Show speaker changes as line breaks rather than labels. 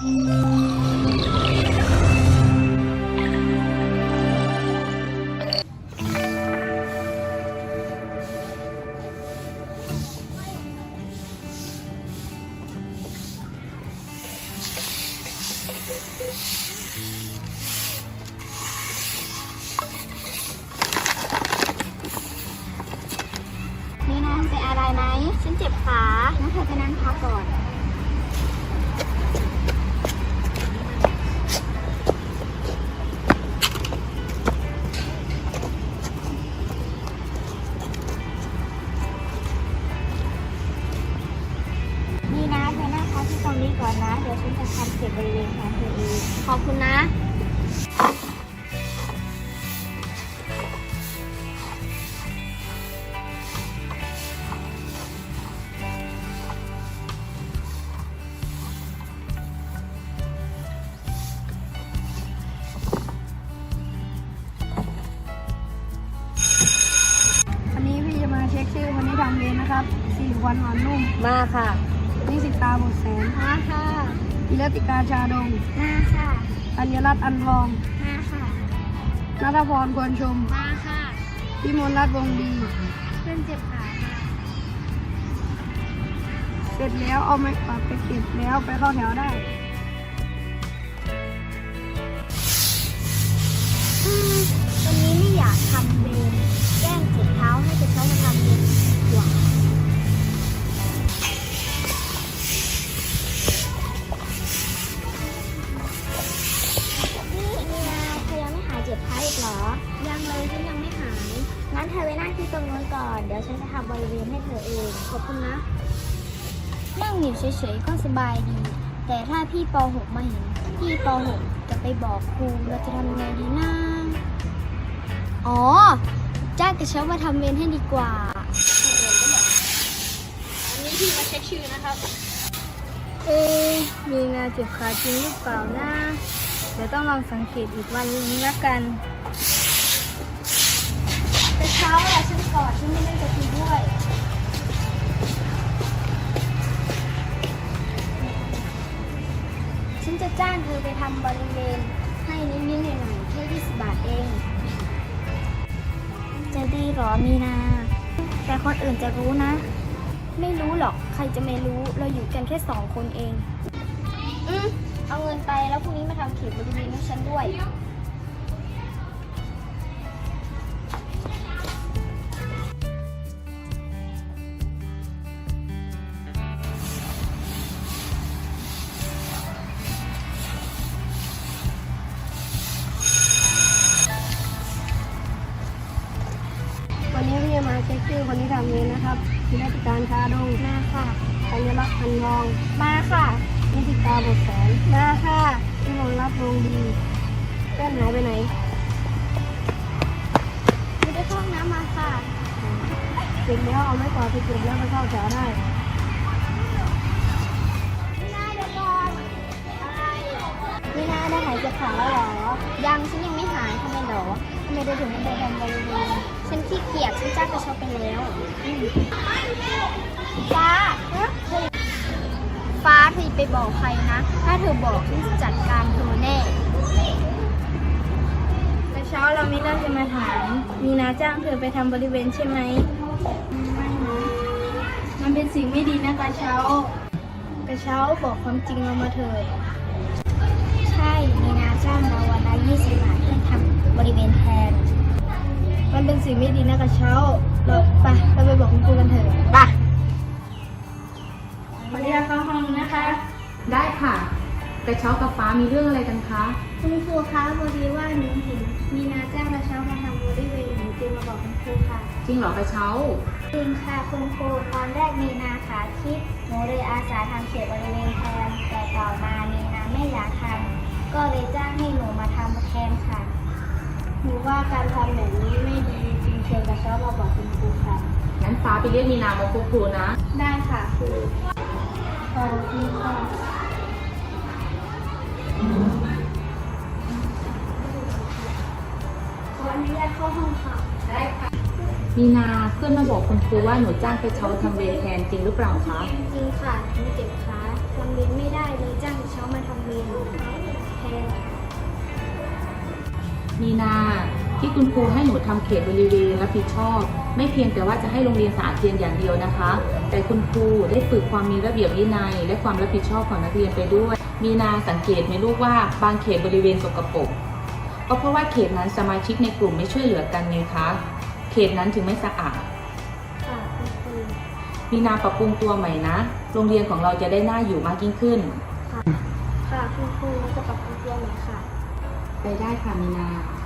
นี่นะเป็นอะไรไหมฉันเจ็บขางั้นเธอจะนั่งพักก่อนนี่นะเธอนั่งพักที่ตรงนี้ก่อนนะเดี๋ยวฉันจะทำเสร็จบริเวณแขนเธอเองขอบคุณนะ
วันนี้พี่จะมาเช็คชื่อวันนี้ทำเวรนะครับ4 วันอ่อนนุ่ม
มาค่ะ
นิสิตาบุตรแสน
มาค่ะ
อิรติกาชาดง
มาค่ะ
อัญรัตน์อันทอง
มาค่ะ
นัทพรควรชม
มาค่ะ
พิมลรัตน์วงดี
เพื่อนเจ็บขาค่ะ
เสร็จแล้วเอาไม้กวาดไปเก็บแล้วไปเข้าแถวได้
วันนี้ไม่อยากทำเวรแกล้งเจ็บเท้าให้กระเช้ามาทำเวรดีกว่านี่มีนาเธอยังไม่หายเจ็บเท้าอีกเหรอ ยังเลยฉันยังไม่หาย งั้นเธอไปนั่งที่ตรงนู้นก่อน เดี๋ยวฉันจะทำบริเวณให้เธอเอง ขอบคุณนะ นั่งอยู่เฉยๆก็สบายดี แต่ถ้าพี่ป .6 มาเห็น พี่ป .6 จะไปบอกครูเราจะทำยังไงดีนะอ๋อ จ้างกระเช้ามาทำเวรให้ดีกว่าอันนี้พี่มาเช็คชื่อนะครับ
มีงานเจ็บขาจริงหรือเปล่านะเดี๋ยวต้องลองสังเกตอีกวันนึงละกัน
กระเช้าแหละฉันกอดฉันไม่เล่นกับคุณด้วย ฉันจะจ้างเธอไปทำบริเวณให้นิดๆหน่อยๆแค่20 บาทเอง จะดีหรอมีนา แต่คนอื่นจะรู้นะ ไม่รู้หรอกใครจะไม่รู้เราอยู่กันแค่2 คนเองเอาเงินไปแล้วพรุ่งนี้มาทำเขตบริเวณให้ฉันด้วย
วันนี้พี่จะมาเช็คชื่อคนที่ทำเวรนะครับอิรติการชาดง
มาค่ะ
อัญรัตน์อันทอง
มาค่ะ
นิสิตาบุตรแสน
มาค่ะ
พิมลรัตน์วงดีเพื่อนหายไปไหน
ไม่ได้เข้าห้องน้ำมาค่ะ
เสร็จแล้วเอาไม้กวาดไปเก็บแล้วไปเข้าแถวได้
ไม่น่าเดี๋ยวก่อนอะไรไม่น่าได้หายเจ็บขาแล้วเหรอ ยังฉันยังไม่หายทำไมเหรอทำไมได้ถึงไม่ได้ทำบริเวณฉันขี้เกียจฉันจ้างกระเช้าไปแล้วฟ้าฟ้าเธอไปบอกใครนะ ถ้าเธอบอกฉันจะจัดการเธอแน่
แต่เช้าเรามีเรื่องจะมาถาม มีนาจ้างเธอไปทำบริเวณใช่ไหมไม่นะมันเป็นสิ่งไม่ดีนะกระเช้ากระเช้าบอกความจริงเรามาเถิด
ใช่มีนาจ้างเราวันละ20 บาทให้ทำบริเวณแทน
มันเป็นสิ่งไม่ดีนะกระเช้าเราไปบอกคุณครูกันเถอะ
ไป
ขออนุญาตเข้าห้องนะคะ
ได้ค่ะกระเช้ากับฟ้ามีเรื่องอะไรกันคะ
คุณครูคะพอดีว่าหนูเห็นมีนาจ้างกระเช้ามาทำบริเวณหนูจึงมาบอกคุณครูค่ะ
จริงเหรอกระเช้า
จริงค่ะคุณครูตอนแรกมีนาขาคิดหนูเลยอาสาทำเขตบริเวณแทนแต่ต่อมามีนาไม่อยากทำก็เลยจ้างให้หนูมาทำแทนค่ะหนูว่าการทำแบบนี้ไม่ดีจริงเชิญกระเช้ามาบอกคุณครูค่ะ
งั้นฟ้าไปเรียกมีนามาพบครูนะ
ได้ค่ะครูขอบคุณค่ะขออนุญาตเข้าห้องค่ะ
มีนาเพื่อนมาบอกคุณครูว่าหนูจ้างกระเช้าทำเวรแทนจริงหรือเปล่าคะ
จริงค่ะหนูเจ็บขาทำเวรไม่ได้เลยจ้างกระเช้ามาทำเวร
มีนาที่คุณครูให้หนูทำเขตบริเวณรับผิดชอบ ไม่เพียงแต่ว่าจะให้โรงเรียนสะอาดเพียงอย่างเดียวนะคะ แต่คุณครูได้ฝึกความมีระเบียบวินัยและความรับผิดชอบของนักเรียนไปด้วย มีนาสังเกตไหมลูกว่าบางเขตบริเวณสกปรกก็เพราะว่าเขตนั้นสมาชิกในกลุ่มไม่ช่วยเหลือกันไงคะเขตนั้นถึงไม่สะอาด
ค่ะคุณครู
มีนาปรับปรุงตัวใหม่นะโรงเรียนของเราจะได้น่าอยู่มากยิ่งขึ้น
ค่ะคุณครูจะปรับปรุงตัวไหมค่ะ
ไปได้ค่ะมีนา